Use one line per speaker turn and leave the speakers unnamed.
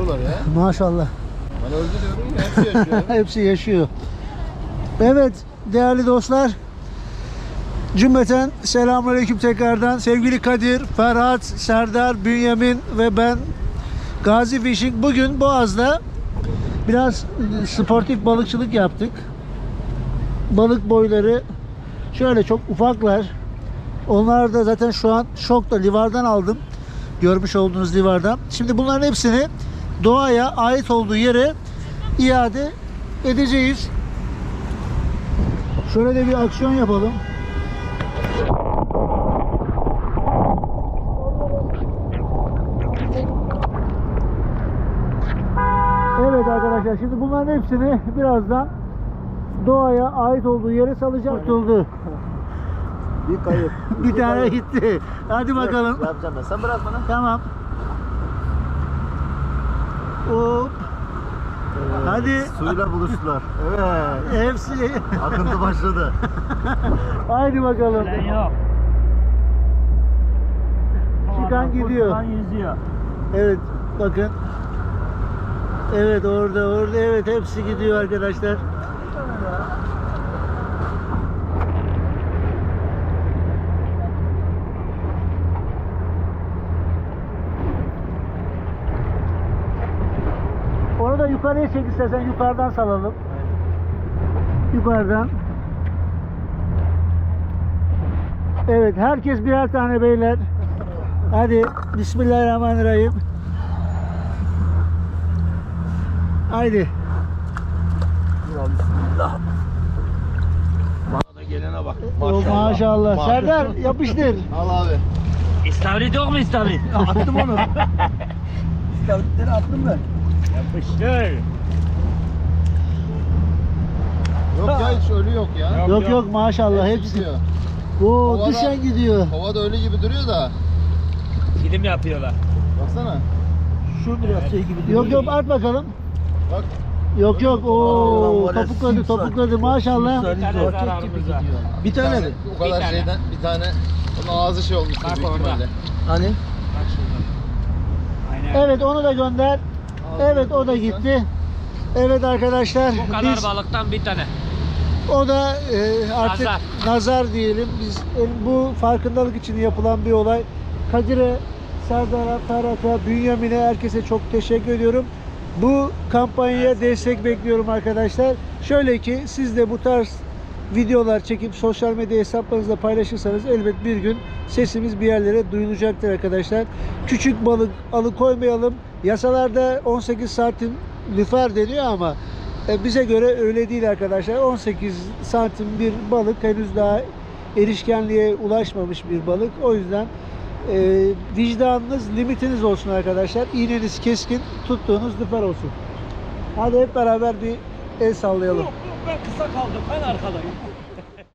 yaşıyorlar ya.
Maşallah.
Ben öldü diyorum ya, hepsi yaşıyor.
Hepsi yaşıyor. Evet değerli dostlar. Cümleten selamünaleyküm tekrardan. Sevgili Kadir, Ferhat, Serdar, Bünyamin ve ben Gazi Fishing. Bugün Boğaz'da biraz sportif balıkçılık yaptık. Balık boyları şöyle çok ufaklar. Onlar da zaten şu an şokta, livardan aldım. Görmüş olduğunuz livardan. Şimdi bunların hepsini doğaya ait olduğu yere iade edeceğiz. Şöyle de bir aksiyon yapalım. Evet arkadaşlar, şimdi bunların hepsini birazdan doğaya ait olduğu yere salacağım. Tutuldu.
Bir kayıp.
Bir tane gitti. Hadi bakalım.
Yapacağım ben. Sen bırak bana.
Tamam. Hop. Hadi.
Suyla buluştular. Evet.
Hepsi.
Akıntı başladı.
Haydi bakalım.
Yok.
Çıkan gidiyor.
Yüzüyor.
Evet bakın. Evet orada evet hepsi gidiyor arkadaşlar. Onu da yukarıya çek istersen, yukarıdan salalım. Yukarıdan. Evet herkes birer tane beyler. Hadi Bismillahirrahmanirrahim. Haydi.
Bismillah. Bana da gelene bak.
Maşallah. Serdar yapıştır.
Al abi.
İstavrit yok mu istavrit?
Attım onu. İstavritleri attım ben.
Yapıştır.
Yok ya, hiç ölü yok ya.
Yok maşallah hepsi.
gidiyor.
Oo
Havada-
düşen gidiyor.
Havada ölü gibi duruyor da.
Film yapıyorlar.
Baksana.
Şu biraz şey gibi. Yok at bakalım.
Bak.
Yok. Oo
Vallahi
topukladı maşallah.
Bir tane zararımız var.
Bir tane mi? O kadar
Bir tane.
şeyden bir tane. Onun ağzı şey olmuş
Bak
büyük
orada.
ihtimalle.
Hani?
Bak şurada. Aynen.
Evet onu da gönder. Evet o da gitti. Evet arkadaşlar
Bu kadar
biz
balıktan bir tane.
o da artık nazar diyelim. Biz bu farkındalık için yapılan bir olay. Kadir'e, Serdar'a, Ferhat'a, Bünyamin'e, herkese çok teşekkür ediyorum. Bu kampanyaya destek bekliyorum arkadaşlar. Şöyle ki siz de bu tarz videolar çekip sosyal medya hesaplarınızda paylaşırsanız elbet bir gün sesimiz bir yerlere duyulacaktır arkadaşlar. Küçük balık alıkoymayalım. Yasalarda 18 santim lüfer deniyor ama bize göre öyle değil arkadaşlar. 18 santim bir balık henüz daha erişkenliğe ulaşmamış bir balık. O yüzden vicdanınız, limitiniz olsun arkadaşlar. İğneniz keskin, tuttuğunuz lüfer olsun. Hadi hep beraber bir el sallayalım.
Ben kısa kaldım. Ben arkadayım.